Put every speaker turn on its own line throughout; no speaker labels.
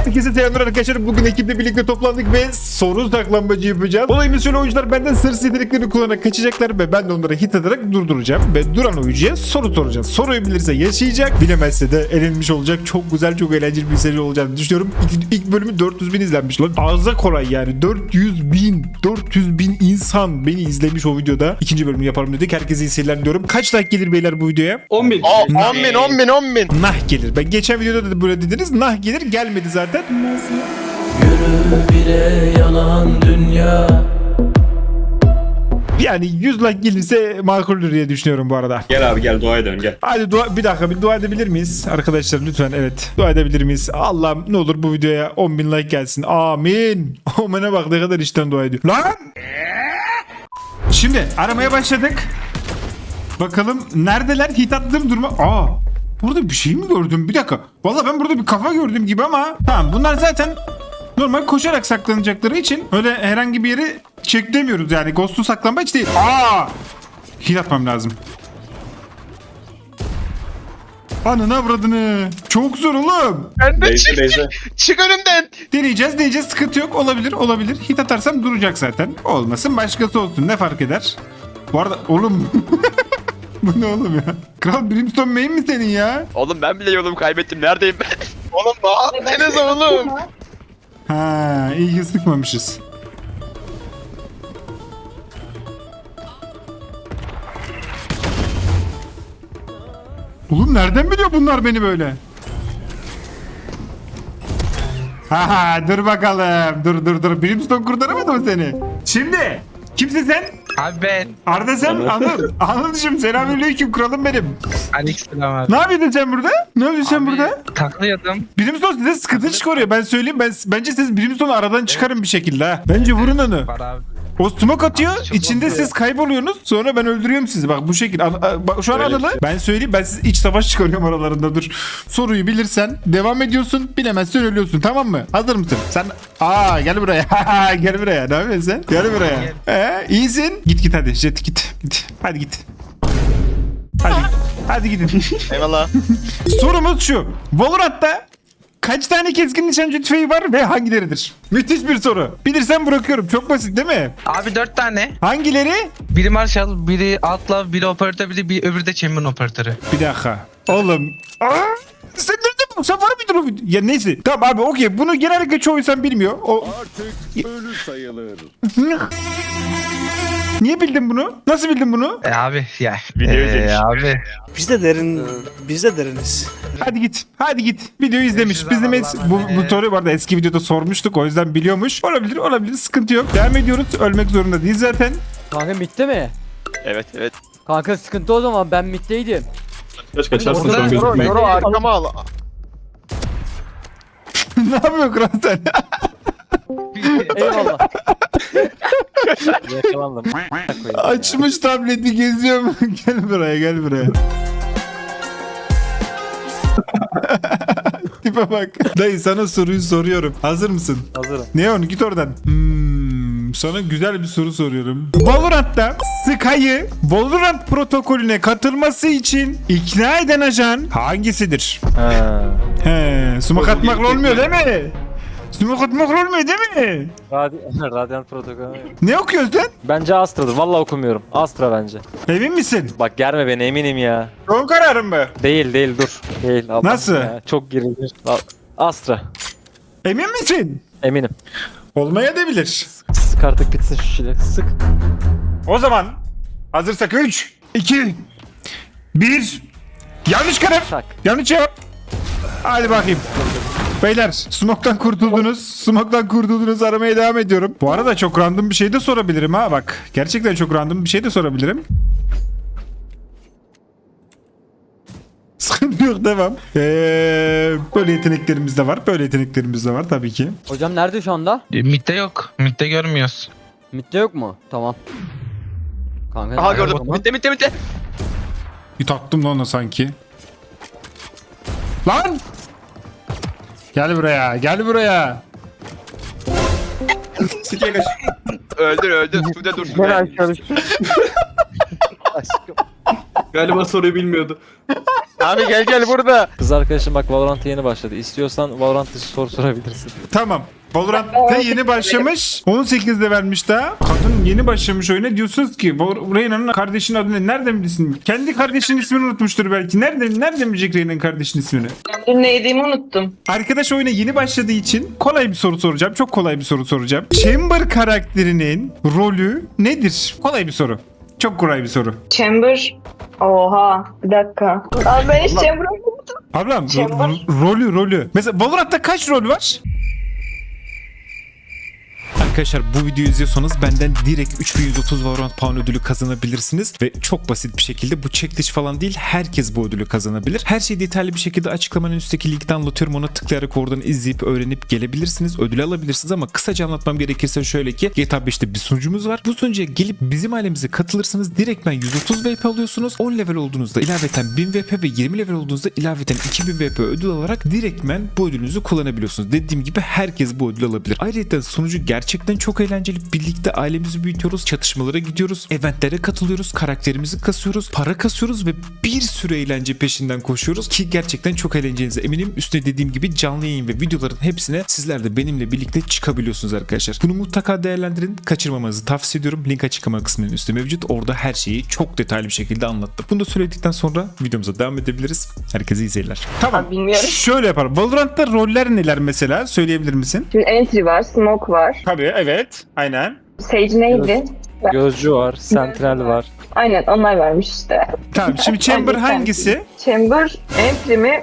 Herkese selamlar arkadaşlar. Bugün ekiple birlikte toplandık ve soru saklambaçı yapacağız. Olayımız şöyle: oyuncular benden sır yeteneklerini kullanarak kaçacaklar ve ben de onları hit ederek durduracağım. Ve duran oyuncuya soru soracağız. Soruyu bilirse yaşayacak, bilemezse de elenmiş olacak. Çok güzel, çok eğlenceli bir seri olacağını düşünüyorum. İlk bölümü 400 bin izlenmiş lan. Ağza kolay yani. 400 bin insan beni izlemiş o videoda. İkinci bölümü yapalım dedik. Herkese iyi seyirler diyorum. Kaç like gelir beyler bu videoya?
10 bin.
10 bin.
Nah gelir. Ben geçen videoda da böyle dediniz. Nah gelir, gelmedi zaten.
Yürü bire yalan dünya.
Yani 100 like gelirse makuldür diye düşünüyorum bu arada.
Gel abi gel dua edelim gel.
Hadi bir dakika, bir dua edebilir miyiz? Arkadaşlar lütfen, evet. Dua edebilir miyiz? Allah'ım ne olur bu videoya 10 bin like gelsin. Amin. Omen'e bak ne kadar içten dua ediyor. Lan! Şimdi aramaya başladık. Bakalım neredeler? Hit attığım duruma. Burada bir şey mi gördüm? Bir dakika. Vallahi ben burada bir kafa gördüm gibi ama. Tamam, bunlar zaten normal koşarak saklanacakları için öyle herhangi bir yeri çeklemiyoruz yani. Ghost'u saklanmaç değil. Hit atmam lazım. Ananı avradını. Çok zor oğlum.
Ben de
Neyse,
çık.
neyse.
Çık önümden.
Deneyeceğiz. Sıkıntı yok. Olabilir. Hit atarsam duracak zaten. Olmasın, başkası olsun. Ne fark eder? Bu arada oğlum. Bu ne oğlum ya? Kral Brimstone main mi senin ya?
Oğlum ben bile yolumu kaybettim. Neredeyim ben?
Oğlum bağırsanız oğlum.
Ha, iyi ki sıkmamışız. Oğlum nereden biliyor bunlar beni böyle? Dur bakalım. Dur. Brimstone kurtaramadı mı seni? Şimdi kimsin sen?
Abi ben
Arda sen? Anladım. Selamünaleyküm kralım benim.
Aleykümselam abi.
Ne yapıyordun sen burada? Ne yapıyorsun sen burada?
Taklıyordum.
Brimstone size sıkıntı çıkarıyor. Ben söyleyeyim. Bence siz Brimstone'u aradan çıkarın bir şekilde ha. Bence vurun onu.
Var abi.
O smoke atıyor.
Çok
İçinde
oluyor.
siz kayboluyorsunuz. Sonra ben öldürüyorum sizi. Bak bu şekil. Bak şu an
Öyle.
Anıl'ı. Ben söyleyeyim. Ben siz iç savaş çıkarıyorum aralarında. Dur. Soruyu bilirsen devam ediyorsun. Bilemezsen ölüyorsun. Tamam mı? Hazır mısın? Sen gel buraya. Gel buraya. Ne yapıyorsun sen? Gel buraya. İyisin. Git hadi. Jet git. Hadi git. Hadi gidin.
Eyvallah.
Sorumuz şu: Valorant'ta kaç tane keskin nişancı tüfeği var ve hangileridir? Müthiş bir soru. Bilirsen bırakıyorum. Çok basit değil mi?
Abi 4 tane.
Hangileri?
Biri Marshall, biri Outlaw, biri operatör, öbürü de Champion operatörü.
Bir dakika. Oğlum. Sen nerede bu? Sen var mıydın o video? Ya neyse. Tamam abi, okey. Bunu genellikle çoğu insan bilmiyor.
Artık ölü sayılır.
Niye bildin bunu? Nasıl bildin bunu?
Abi ya.
Video izlemiş.
Abi.
Biz de deriniz.
Hadi git. Videoyu izlemiş.
Görüşürüz
Bizim
abi,
bu soruyu bu arada eski videoda sormuştuk. O yüzden biliyormuş. Olabilir. Sıkıntı yok. Devam ediyoruz. Ölmek zorunda değil zaten.
Kanka midde mi?
Evet.
Kanka sıkıntı o zaman, ben middeydim.
Kaçarsın şu an
Yoru
gözükmeyin.
arkama al.
Ne yapıyor kral sen?
Eyvallah. Yakalandım.
Açmış tableti, geziyor mu? Gel buraya. Tipe bak. Dayı sana soruyu soruyorum. Hazır mısın?
Hazırım.
Neon git oradan. Sana güzel bir soru soruyorum. Valorant'ta Sky'ı Valorant protokolüne katılması için ikna eden ajan hangisidir? Smoke atmakla olmuyor değil mi? Smoke atmakla olmuyor değil mi?
Radyant protokolü.
Ne okuyorsun sen?
Bence Astra'dır. Vallahi okumuyorum. Astra bence.
Emin misin?
Bak germe beni, eminim ya.
Son kararın mı?
Değil dur. Değil. Allah
Nasıl?
ya, çok gerildim. Astra.
Emin misin?
Eminim.
Olmaya da bilir.
Sık artık bitsin şu şeyler. Sık.
O zaman hazırsak 3, 2, 1. Yanlış karar.
Tak.
Yanlış cevap. Hadi bakayım. Beyler smoke'tan kurtuldunuz. Aramaya devam ediyorum. Bu arada çok random bir şey de sorabilirim ha, bak. Gerçekten çok random bir şey de sorabilirim. Sıkıntı yok, devam. Böyle yeteneklerimiz de var. Tabii ki.
Hocam nerede şu anda?
Mid'de yok. Mid'de görmüyoruz.
Midde yok mu? Tamam. Kanka.
Aha
nerede o
gördüm.
zaman?
Bitti.
Bir taktım lan ona sanki. Lan! Gel buraya.
Sikeye kaç.
Öldür. Sude dur.
Aşkım.
Galiba soruyu bilmiyordu.
Abi gel burada.
Kız arkadaşım bak Valorant'a yeni başladı. İstiyorsan Valorant dışı soru sorabilirsin.
Tamam. Valorant'ta yeni başlamış. 18'de vermiş daha. Kadın yeni başlamış oyuna. Diyorsunuz ki Reyna'nın kardeşinin adı ne? Nereden bilirsin? Kendi kardeşinin ismini unutmuştur belki. Nereden bilecek Reyna'nın kardeşinin ismini?
Dur ne yediğimi unuttum.
Arkadaş oyuna yeni başladığı için kolay bir soru soracağım. Çok kolay bir soru soracağım. Chamber karakterinin rolü nedir? Kolay bir soru. Çok kolay bir soru.
Chamber. Oha. Bir dakika. Abi ben hiç Chamber'ı unuttum.
Ablam
Chamber.
rolü. Mesela Valorant'ta kaç rol var? Arkadaşlar bu videoyu izliyorsanız benden direkt 3130 Valorant Pound ödülü kazanabilirsiniz ve çok basit bir şekilde bu çekiliş falan değil, herkes bu ödülü kazanabilir. Her şeyi detaylı bir şekilde açıklamanın üstteki linkten anlatıyorum, ona tıklayarak oradan izleyip öğrenip gelebilirsiniz, ödülü alabilirsiniz ama kısaca anlatmam gerekirse şöyle ki GTA 5'te bir sunucumuz var. Bu sunucuya gelip bizim ailemize katılırsanız direktmen 130 VP alıyorsunuz. 10 level olduğunuzda ilaveten 1000 VP ve 20 level olduğunuzda ilaveten 2000 VP ödül alarak direktmen bu ödülünüzü kullanabiliyorsunuz. Dediğim gibi herkes bu ödülü alabilir. Ayrıca sunucu gerçekten çok eğlenceli. Birlikte ailemizi büyütüyoruz, çatışmalara gidiyoruz, eventlere katılıyoruz, karakterimizi kasıyoruz, para kasıyoruz ve bir sürü eğlence peşinden koşuyoruz ki gerçekten çok eğleneceğinize eminim. Üstüne dediğim gibi canlı yayın ve videoların hepsine sizler de benimle birlikte çıkabiliyorsunuz arkadaşlar. Bunu mutlaka değerlendirin. Kaçırmamanızı tavsiye ediyorum. Link açıklama kısmının üstü mevcut. Orada her şeyi çok detaylı bir şekilde anlattım. Bunu da söyledikten sonra videomuza devam edebiliriz. Herkese iyi seyirler. Tamam.
Abi bilmiyorum.
Şöyle yapalım. Valorant'ta roller neler mesela? Söyleyebilir misin?
Şimdi Entry var, Smoke var.
Tabii, evet. Aynen.
Sage neydi?
Gözcü var, Sentinel var.
Aynen onlar vermiş işte.
Tamam. Şimdi Chamber
Hangi
hangisi?
Chamber, Entry mi?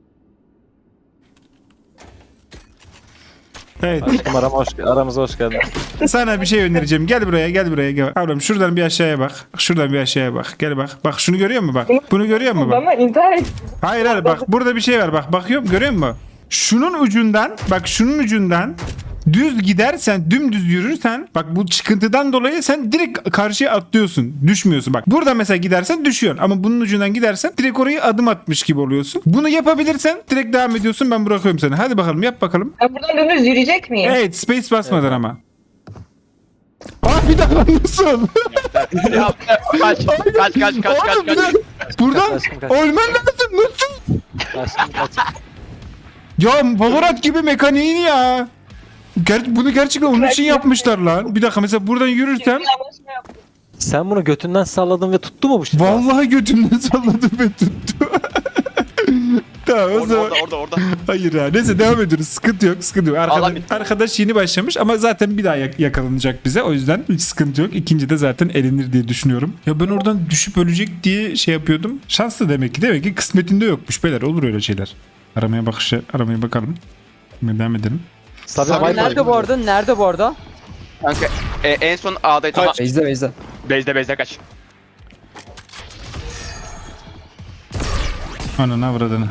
Evet.
Aşkım aramıza hoş geldin.
Sana bir şey önereceğim. Gel buraya, gel. Ablam şuradan bir aşağıya bak. Şuradan bir aşağıya bak. Gel bak. Bak şunu görüyor musun bak? Bunu görüyor musun bak?
Bana intihar et.
Hayır bak. Burada bir şey var bak. Bakıyorum, görüyor musun? Şunun ucundan düz gidersen, dümdüz yürürsen bak bu çıkıntıdan dolayı sen direkt karşıya atlıyorsun. Düşmüyorsun. Bak burada mesela gidersen düşüyorsun. Ama bunun ucundan gidersen direkt orayı adım atmış gibi oluyorsun. Bunu yapabilirsen direkt devam ediyorsun. Ben bırakıyorum seni. Hadi bakalım yap bakalım.
Ben buradan dönüz yürüyecek miyim?
Evet, space basmadan ama. Bir daha nasıl?
Ya, kaç.
Oğlum, bir dakika. Buradan
Aşkım kaç.
ölmen lazım. Nasıl?
Aşkım kaç.
Ya Valorant gibi mekaniğini ya. Bunu gerçekten onun için yapmışlar lan. Bir dakika mesela buradan yürürsem
Sen bunu götünden salladın ve tuttu mu bu şimdi?
vallahi götümden salladım ve tuttu. Tamam o zaman.
Orada.
Hayır ya. Neyse devam ediyoruz. Sıkıntı yok.
Allah bitti.
Arkadaş yeni başlamış ama zaten bir daha yakalanacak bize. O yüzden hiç sıkıntı yok. İkinci de zaten elenir diye düşünüyorum. Ya ben oradan düşüp ölecek diye şey yapıyordum. Şanslı demek ki. Demek ki kısmetinde yokmuş beyler. Olur öyle şeyler. Aramaya bakalım. Şimdi devam edelim.
Sabi
Sabi
Viper.
Nerede bu arada?
Kanka en son A'daydı. Tamam.
Base'de.
Base'de kaç.
Ananı avradını.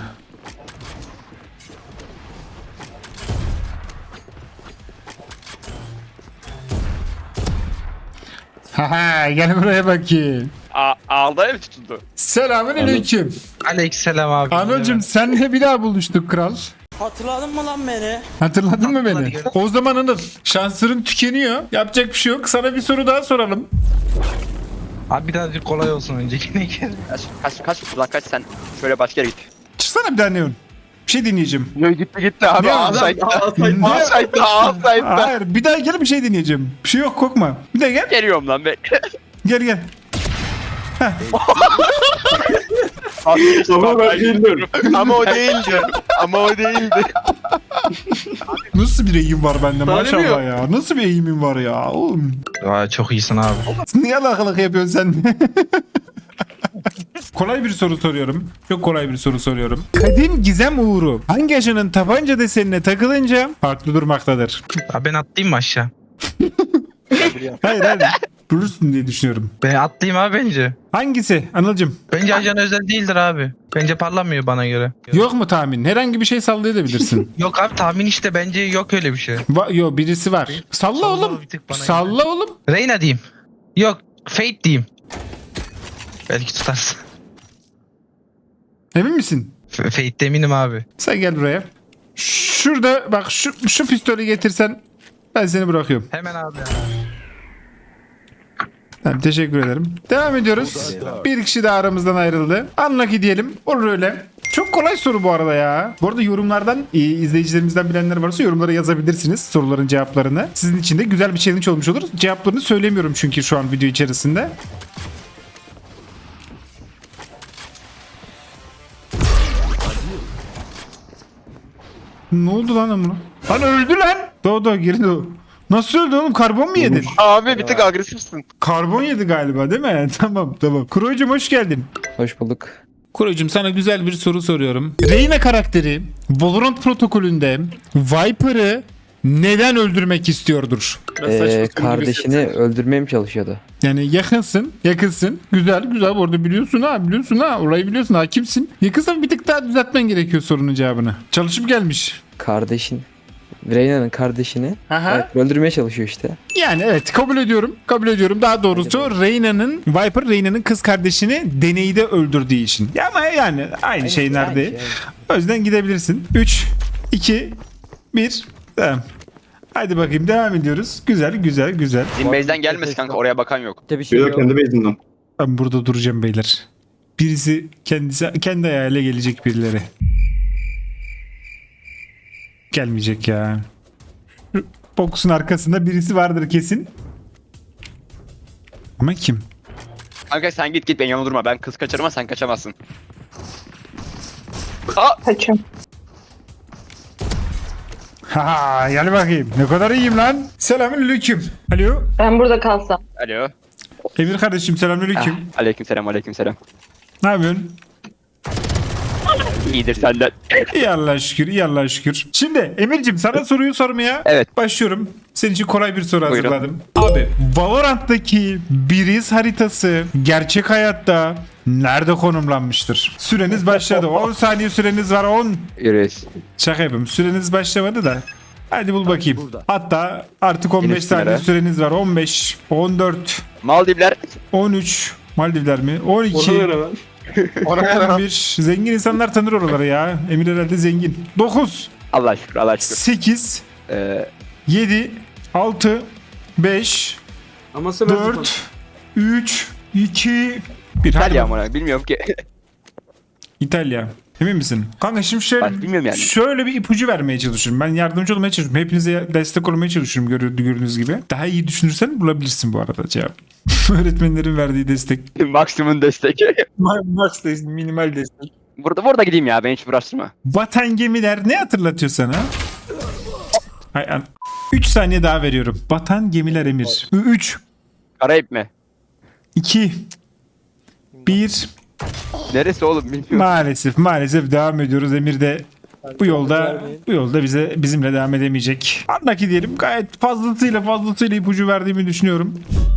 Haha gel buraya bakayım.
A'da mı tutuldu?
Selamün aleyküm.
Aleykümselam abi.
Anılcım senle bir daha buluştuk kral.
Hatırladın mı lan beni?
Hatırladın mı beni?
Hatırladım.
O zaman Anıl şansların tükeniyor. Yapacak bir şey yok. Sana bir soru daha soralım.
Abi birazcık kolay olsun öncekine gel.
Kaç sen şöyle başka yere git.
Çıksana bir daha Neon. Bir şey dinleyeceğim.
Yo gitti abi.
Ne
A-side'da.
Hayır bir daha gel bir şey dinleyeceğim. Bir şey yok korkma. Bir daha gel.
Geliyorum lan be.
Gel.
Ama ben bilmiyorum.
Ama o değildi.
Nasıl bir eğim var bende maşallah ya. Nasıl bir eğimin var ya oğlum.
Aa, çok iyisin abi.
Niye alakalık yapıyorsun sen? Kolay bir soru soruyorum. Çok kolay bir soru soruyorum. Kadim gizem uğuru hangi aşının tabanca desenine takılınca farklı durmaktadır?
Abi ben atlayayım mı aşağı?
Hayır. Durursun diye düşünüyorum.
Ben atlayayım abi bence.
Hangisi Anılcım?
Bence ajan özel değildir abi. Bence parlamıyor bana göre.
Yok mu tahmin? Herhangi bir şey sallayabilirsin.
Yok abi tahmin işte bence yok öyle bir şey.
Yo birisi var. Salla oğlum.
bir tık bana
Salla oğlum.
Reyna diyeyim. Yok Fate diyeyim. Belki tutarsın.
Emin misin?
Fate'de eminim abi.
Sen gel buraya. Şurada bak şu pistolü getirsen ben seni bırakıyorum.
Hemen abi.
Tamam, teşekkür ederim. Devam ediyoruz. Bir kişi daha aramızdan ayrıldı. Unlucky diyelim. Olur öyle. Çok kolay soru bu arada ya. Bu arada yorumlardan izleyicilerimizden bilenler varsa yorumlara yazabilirsiniz soruların cevaplarını. Sizin için de güzel bir challenge olmuş olur. Cevaplarını söylemiyorum çünkü şu an video içerisinde. Ne oldu lan Amro? Lan öldü lan. Doğdu girdi o. Nasıl öldü oğlum? Karbon mu yedin?
Abi bir tık agresifsin.
Karbon yedi galiba değil mi? Tamam. Kuroycum hoş geldin.
Hoş bulduk.
Kuroycum sana güzel bir soru soruyorum. Reyna karakteri Valorant protokolünde Viper'ı neden öldürmek istiyordur?
Kardeşini öldürmeye mi çalışıyordu?
Yani yakınsın. Güzel bu arada biliyorsun ha. Orayı biliyorsun, hakimsin. Yakınsan bir tık daha düzeltmen gerekiyor sorunun cevabını. Çalışıp gelmiş.
Kardeşin. Reyna'nın kardeşini öldürmeye çalışıyor işte.
Yani evet kabul ediyorum. Daha doğrusu Viper Reyna'nın kız kardeşini deneyde öldürdüğü için. Ya ama yani aynı şey nerede? O yüzden gidebilirsin. 3, 2, 1. Tamam. Hadi bakayım devam ediyoruz. Güzel.
Zimbeyz'den gelmesin kanka, oraya bakan yok.
Bir şey
Bir de
yok.
kendi base'inden.
Ben burada duracağım beyler. Birisi kendi ayağıyla gelecek birileri. Gelmeyecek ya. Box'un arkasında birisi vardır kesin. Ama kim?
Kanka sen git ben yanına durma. Ben kız kaçırma, sen kaçamazsın.
Kaçım.
Ha, gel bakayım. Ne kadar iyiyim lan. Selamünaleyküm. Alo.
Ben burada kalsam.
Alo.
Emir kardeşim selamünaleyküm.
Aleykümselam.
Ne yapıyorsun?
İyidir senden.
İyi Allah'a şükür. Şimdi Emir'cim sana soruyu sormaya
Evet.
başlıyorum. Senin için kolay bir soru
Buyurun.
hazırladım. Abi Valorant'taki Biriz haritası gerçek hayatta nerede konumlanmıştır? Süreniz başladı. 10 saniye süreniz var 10.
Yürüyüz.
Şaka yapayım. Süreniz başlamadı da. Hadi bul bakayım. Hatta artık 15
Yunus
saniye
Sınır'a.
süreniz var. 15, 14,
Maldivler.
13. Maldivler mi? 12.
Ona
11. Zengin insanlar tanır oraları ya. Emir herhalde zengin. 9.
Allah şükür.
8.
Ee,
7. 6. 5. 4. 3. 2. 1.
İtalya amına bilmiyorum ki.
İtalya. Emin misin? Kanka şimdi şöyle,
Ben bilmiyorum yani.
şöyle bir ipucu vermeye çalışıyorum. Ben yardımcı olmaya çalışıyorum. Hepinize destek olmaya çalışıyorum gördüğünüz gibi. Daha iyi düşünürsen bulabilirsin bu arada cevap. Öğretmenlerin verdiği destek.
Maksimum destek.
Max destek, minimal destek.
Burada gideyim ya, beni hiç uğraştırma.
Vatan gemiler ne hatırlatıyor sana? 3 saniye daha veriyorum. Vatan gemiler Emir. 3,
Karayip mi?
2, 1.
Neresi oğlum bilmiyorum.
Maalesef devam ediyoruz. Emir de bu yolda bizimle devam edemeyecek. Andaki diyelim gayet fazlasıyla ipucu verdiğimi düşünüyorum.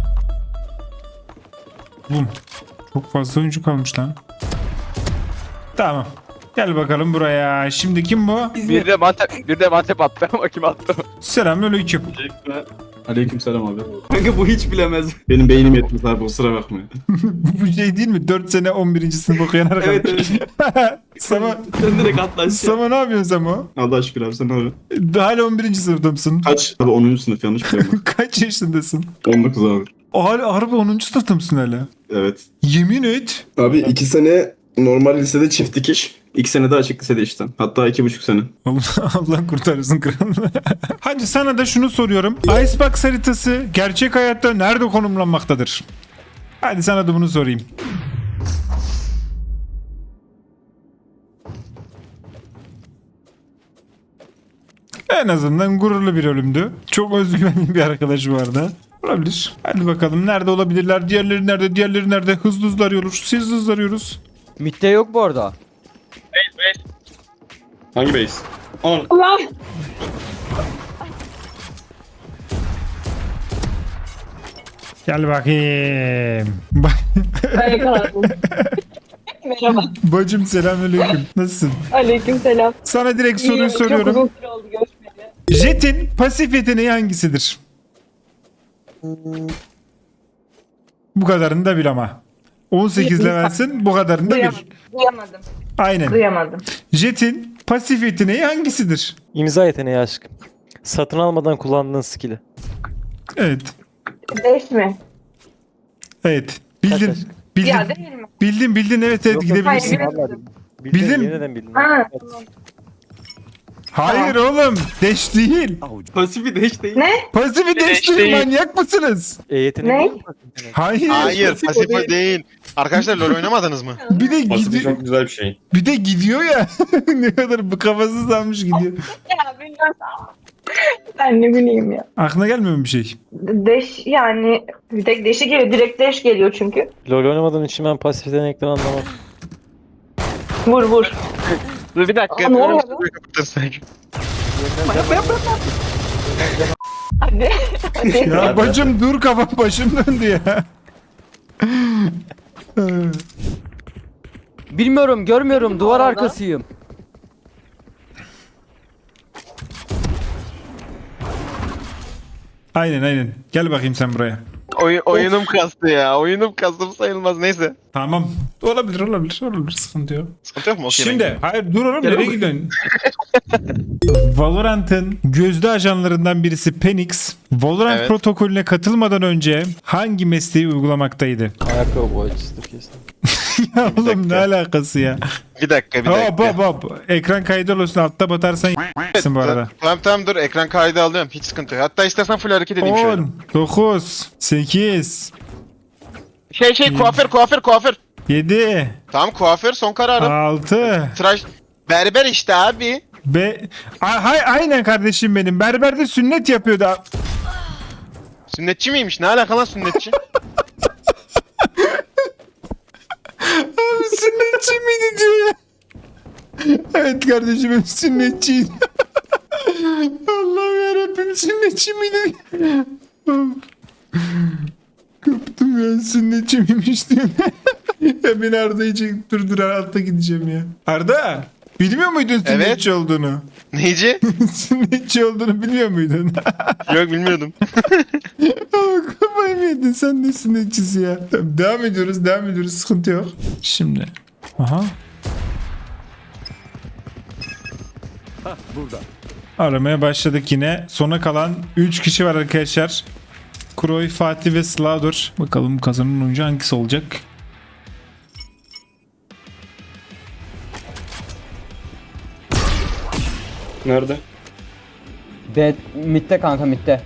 Bum. Çok fazla oyuncu kalmış lan. Tamam. Gel bakalım buraya. Şimdi kim bu?
Bir de mantep attı ama kim attı?
Selamünaleyküm.
Aleykümselam abi. Kanka bu hiç bilemez. Benim beynim yetmez abi, kusura bakma.
Bu şey değil mi? 4 sene 11. sınıf okuyan arkadaş.
Evet.
Sama,
Sen direkt atla.
Sama ne yapıyorsun Sama?
Allah şükür abi, sen abi.
Hala 11. sınıfta mısın?
Kaç? Abi 10. sınıf, yanlış biliyorum.
Kaç yaşındasın?
19 abi.
Harbi 10. sınıfta mısın hala?
Evet.
Yemin et.
Abi 2 sene normal lisede çift dikiş. 2 sene de açık lisede işten. Hatta 2,5 sene.
Allah kurtarsın kralını. Hadi sana da şunu soruyorum. Icebox haritası gerçek hayatta nerede konumlanmaktadır? Hadi sana da bunu sorayım. En azından gururlu bir ölümdü. Çok özgüvenli bir arkadaş vardı. Olabilir. Hadi bakalım nerede olabilirler? Diğerleri nerede? Hızlı arıyoruz. Siz hızlı arıyoruz.
Mitte yok bu arada.
Hangi base?
Allah.
Gel bakayım.
Ben yakaladım. Merhaba.
Bacım selamünaleyküm. Nasılsın?
Aleykümselam.
Sana direkt soruyu
İyiyim, çok
soruyorum.
uzun süre oldu görüşmeli.
Jet'in pasif yeteneği hangisidir? Bu kadarını da bil ama. 18 levelsin, bu kadarını da bil.
Duyamadım.
Aynen.
Duyamadım.
Jet'in pasif yeteneği hangisidir?
İmza yeteneği aşkım. Satın almadan kullandığın skill'i.
Evet.
5 mi?
Evet. Bildin.
Kaç?
Bildin.
Ya değil mi?
Bildin evet
Yok, yok.
gidebilirsin.
Hayır,
Vallahi
Bildin.
Bildin. Yeniden bildin.
Ha.
Evet.
Hayır oğlum. Dash değil.
Pasifi de hiç değil.
Ne?
Pasifi dash değil. Manyak mısınız?
Yetenek
Ne?
değil mi pasifinin?
Hayır.
Hayır
pasif o
pasif
değil.
o değil. Arkadaşlar LoL oynamadınız mı?
Bir de
Pasifi
gidiyor.
çok güzel bir şey.
Bir de gidiyor ya. Ne kadar bu kafasız almış gidiyor.
Ya bilmiyorum. Ben ne bileyim ya.
Aklına gelmiyor mu bir şey?
Deş yani bir tek deşi geliyor. Direkt deş geliyor çünkü.
LoL oynamadığım için ben pasif yetenekten anlamam.
Vur vur.
Dur bir dakika.
Aa, ne oluyor
Dur,
lan?
kapatırsak.
Hadi. Hadi.
Ya bacım dur kafam başım döndü ya.
Bilmiyorum, görmüyorum. Duvar arkasıyım.
Aynen. Gel bakayım sen buraya.
Oyunum kastı ya. Oyunum kastım sayılmaz. Neyse.
Tamam. Olabilir. Sıkıntı yok.
Sıkıntı yok mu? Okey,
Şimdi hayır dur oğlum
Gel
nereye
oğlum.
gidiyorsun? Valorant'ın gözde ajanlarından birisi Penix, Valorant
Evet.
protokolüne katılmadan önce hangi mesleği uygulamaktaydı?
Ayakkabı boyacısıdır kesin.
Ya oğlum ne
dakika.
alakası ya?
Bir dakika.
Hop. Ekran kaydı olsun altta batarsan y***sin bu arada.
Tamam dur ekran kaydı alıyorum. Hiç sıkıntı yok. Hatta istersen full hareket edeyim şöyle.
10, 9, 8,
Kuaför.
7,
Tamam kuaför son kararım.
6,
Tıraş. Berber işte abi.
Aynen kardeşim benim. Berberde sünnet yapıyordu.
Sünnetçi miymiş? Ne alaka lan sünnetçi?
Abi sünnetçi miydi diyor ya. Evet kardeşim benim sünnetçiydi. Allah'ım yarabbim sünnetçi miydi? Kaptım ya sünnetçi miymiş diyor. Ya beni Arda'yı çekip durdur altta gideceğim ya. Arda bilmiyor muydun sünnetçi olduğunu?
Neyci?
Sünnetçi olduğunu bilmiyor muydun?
Yok bilmiyordum.
Ama kafayı mı yedin sen ne sünnetçisi ya? Tamam, devam ediyoruz sıkıntı yok. Şimdi. Aha.
Burada.
Aramaya başladık yine. Sona kalan 3 kişi var arkadaşlar. Kroy, Fatih ve Slavdor. Bakalım kazanan oyuncu hangisi olacak?
Nerede?
Mid'de kanka mid'de.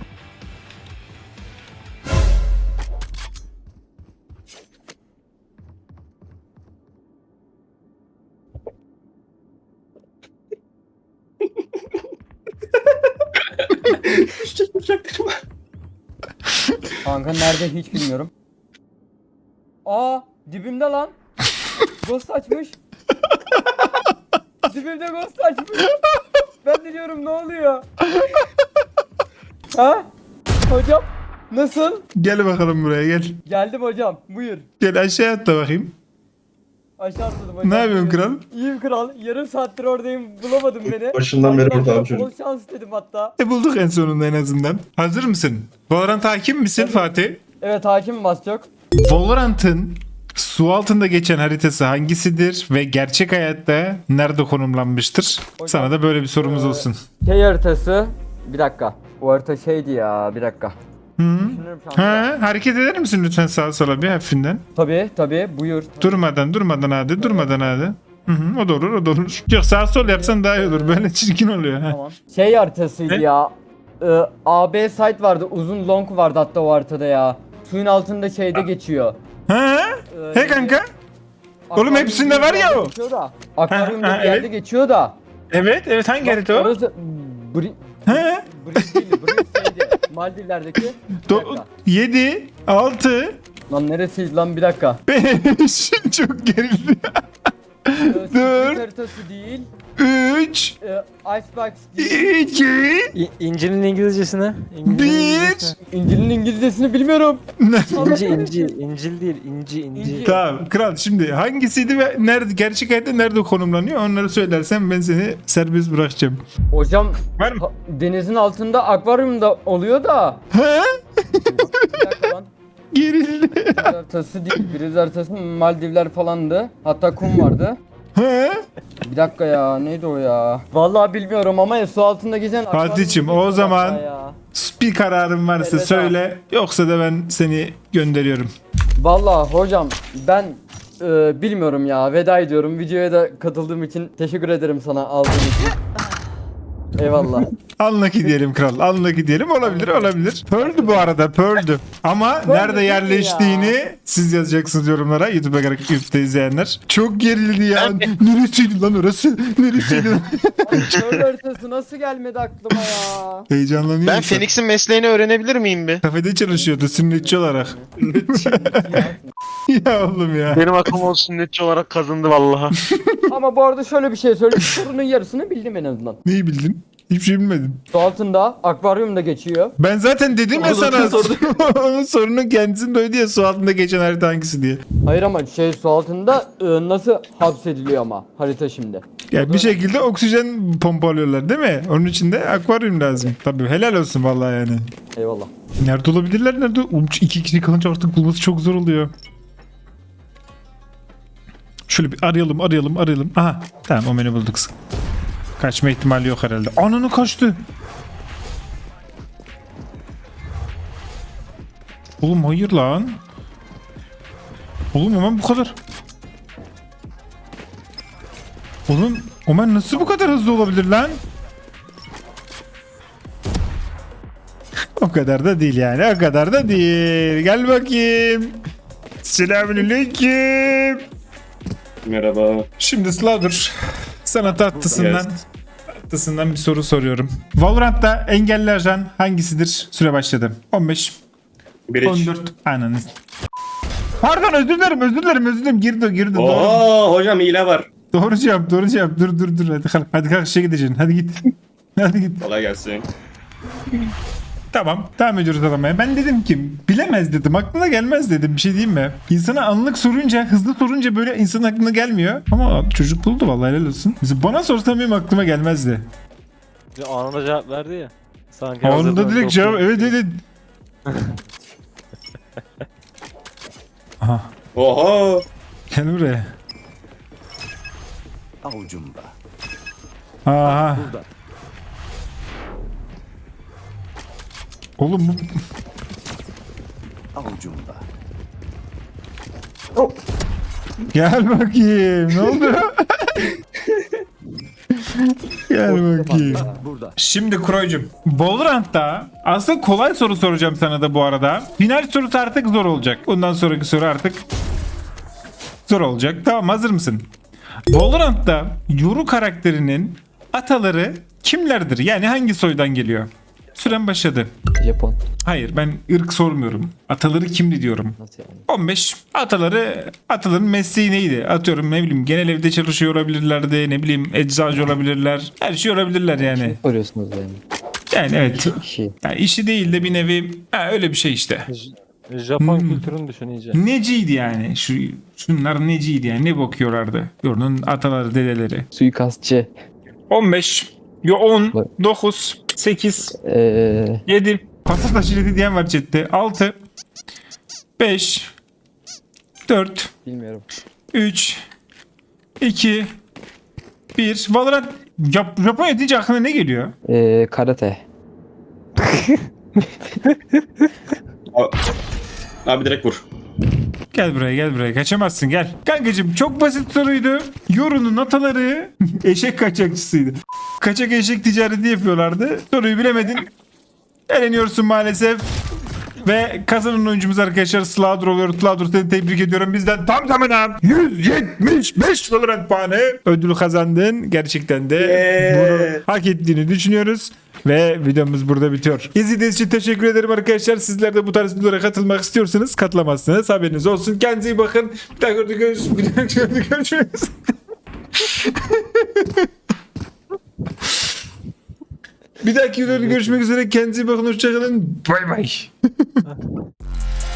Kanka nerede hiç bilmiyorum. Aa dibimde lan. Ghost açmış. Dibimde ghost açmış. Ben de diyorum ne oluyor? Ha? Hocam nasıl?
Gel bakalım buraya gel.
Geldim hocam. Buyur.
Gel aşağı atla bakayım.
Aşağı atladım hocam.
Ne yapıyorsun
Buyur.
kral?
İyiyim kral. Yarım saattir oradayım. Bulamadın beni.
Başından beri burada abi
Bol
çocuk.
şans dedim hatta.
Bulduk en sonunda en azından. Hazır mısın? Valorant hakim misin Fatih?
Evet hakim bas çok.
Valorant'ın su altında geçen haritası hangisidir ve gerçek hayatta nerede konumlanmıştır? Sana da böyle bir sorumuz olsun.
Şey haritası. Bir dakika. O harita şeydi ya. Bir dakika.
Hı?
Düşünüyorum şu anda.
Ha, hareket eder misin lütfen sağa sola bir hafifinden?
Tabii buyur.
Durmadan hadi. Hı hı, o da olur. Yok sağ sol yapsan daha iyi olur. Böyle çirkin oluyor. Ha.
Tamam. Şey haritasıydı
Ne?
ya. AB site vardı. Uzun long vardı hatta o haritada ya. Suyun altında şeyde geçiyor.
Ha?
He
He kanka? Oğlum hepsinde var ya o.
Akvaryumda
Ha,
bir yerde
evet.
geçiyor da.
Evet hangi harita o?
Orası...
He?
Bridge şeydi. Maldivler'deki. Bir dakika.
7, 6,
Lan neresiydi lan bir dakika.
5 çok gerildi.
Secret haritası değil.
3,
Icebox değil.
2,
İncil'in İngilizcesine.
1.
İncil'in İngilizcesini bilmiyorum.
İncil değil, inci.
Tamam kral şimdi hangisiydi ve nerede gerçek hayatta nerede konumlanıyor onları söylersen ben seni serbest bırakacağım.
Hocam
Var mı?
denizin altında akvaryumda oluyor da.
He?
Bir dakika lan.
Gerildi.
Biriz haritası değil. Biriz haritası Maldivler falandı. Hatta kum vardı.
He?
Bir dakika ya neydi o ya? Vallahi bilmiyorum ama su altında gezen
Fatih'cim,
akvaryum
o zaman-
ya.
Bir kararın varsa
Evet,
söyle yoksa da ben seni gönderiyorum.
Vallahi hocam ben bilmiyorum ya, veda ediyorum. Videoya da katıldığım için teşekkür ederim sana, aldığın için. Eyvallah.
Unlucky diyelim kral. Unlucky diyelim. Olabilir. Pearl'dü bu arada. Pearl'dü. Ama nerede
değil
yerleştiğini siz yazacaksınız yorumlara. YouTube'da izleyenler. Çok gerildi ya. Neresiydi lan orası? Neresiydi lan?
Şöyle haritası nasıl gelmedi aklıma ya?
Heyecanlanıyor
Ben
musun?
Phoenix'in mesleğini öğrenebilir miyim bir?
Kafede çalışıyordu sünnetçi olarak. Ya oğlum ya.
Benim aklıma o sünnetçi olarak kazındı vallahi.
Ama bu arada şöyle bir şey söyleyeyim. Sorunun yarısını bildim en azından.
Neyi bildin? Hiçbir şey bilmedim.
Su altında akvaryumda geçiyor.
Ben zaten dedim ya
Onu
sana.
zaten sordum.
Onun sorunun kendisinde oydu ya, su altında geçen harita hangisi diye.
Hayır ama su altında nasıl hapsediliyor ama harita şimdi.
Ya bir şekilde oksijen pompalıyorlar değil mi? Onun için de akvaryum lazım. Tabii helal olsun vallahi yani.
Eyvallah.
Nerede olabilirler? Nerede? Oğlum, 2 kişi kalınca artık bulması çok zor oluyor. Şöyle bir arayalım. Aha tamam, o menü bulduk. Kaçma ihtimali yok herhalde. Ananı kaçtı. Oğlum hayır lan. Oğlum Omen bu kadar. Oğlum Omen nasıl bu kadar hızlı olabilir lan? O kadar da değil yani. O kadar da değil. Gel bakayım. Selamünaleyküm.
Merhaba.
Şimdi Slaughter, sana tatlısından bir soru soruyorum. Valorant'ta engelli ajan hangisidir? Süre başladı. 15,
Bir
14, ananı. Pardon, özür dilerim. Girdi. Doğru.
Oo hocam hile var.
Doğru cevap. Dur. Hadi kalk işe gideceksin. Hadi git.
Kolay gelsin.
Tamam. Devam ediyoruz aramaya. Ben dedim ki bilemez dedim. Aklına gelmez dedim. Bir şey diyeyim mi? İnsana anlık sorunca, hızlı sorunca böyle insanın aklına gelmiyor. Ama çocuk buldu vallahi, helal olsun. Mesela bana sorsan benim aklıma gelmezdi.
Anında cevap verdi ya. Sanki
Anında
hazırdan
direkt
doktor-
cevap. Evet. Aha.
Oha.
Gel buraya.
Avucumda.
Aha.
Burada.
Oğlum bu...
Avucumda.
Gel bakayım. Ne oldu? Gel bakayım.
Burada.
Şimdi Kroy'cum, Valorant'ta aslında kolay soru soracağım sana da bu arada. Final sorusu artık zor olacak. Bundan sonraki soru artık zor olacak. Tamam, hazır mısın? Valorant'ta Yoru karakterinin ataları kimlerdir? Yani hangi soydan geliyor? Süren başladı.
Japon.
Hayır, ben ırk sormuyorum. Ataları kimdi diyorum.
Nasıl yani?
15. Ataların mesleği neydi? Atıyorum, ne bileyim, genel evde çalışıyor olabilirlerdi. Ne bileyim, eczacı olabilirler. Her şey olabilirler yani.
Soruyorsunuz yani.
Yani evet.
Şey.
Yani işi değil de bir nevi öyle bir şey işte.
Japon kültürünü düşün iyice.
Neciydi yani? Şunlar neciydi yani? Ne bakıyorlardı? Yorunun ataları, dedeleri.
Suikastçı.
15. 10. 9. 8. 7. Pasif taşıyıcı diyen var chatte. 6. 5. 4.
Bilmiyorum.
3. 2. 1. Valorant. Japonya deyince aklına ne geliyor?
Karate.
Abi direkt vur.
Gel buraya kaçamazsın, gel. Kankacığım, çok basit soruydu. Yoru'nun ataları eşek kaçakçısıydı. Kaçak eşek ticareti yapıyorlardı. Soruyu bilemedin. Eleniyorsun maalesef. Ve kazanan oyuncumuz arkadaşlar Slaughter oluyor. Slaughter, seni tebrik ediyorum. Bizden tam tamına 175 Valorant puanı ödül kazandın. Gerçekten de bunu hak ettiğini düşünüyoruz. Ve videomuz burada bitiyor. İzlediğiniz için teşekkür ederim arkadaşlar. Sizler de bu tarz videolara katılmak istiyorsanız katılamazsınız. Haberiniz olsun. Kendinize iyi bakın. Bir daha görüşürüz. Bir dahaki videoda görüşmek üzere. Kendinize iyi bakın. Hoşçakalın. Bay bay.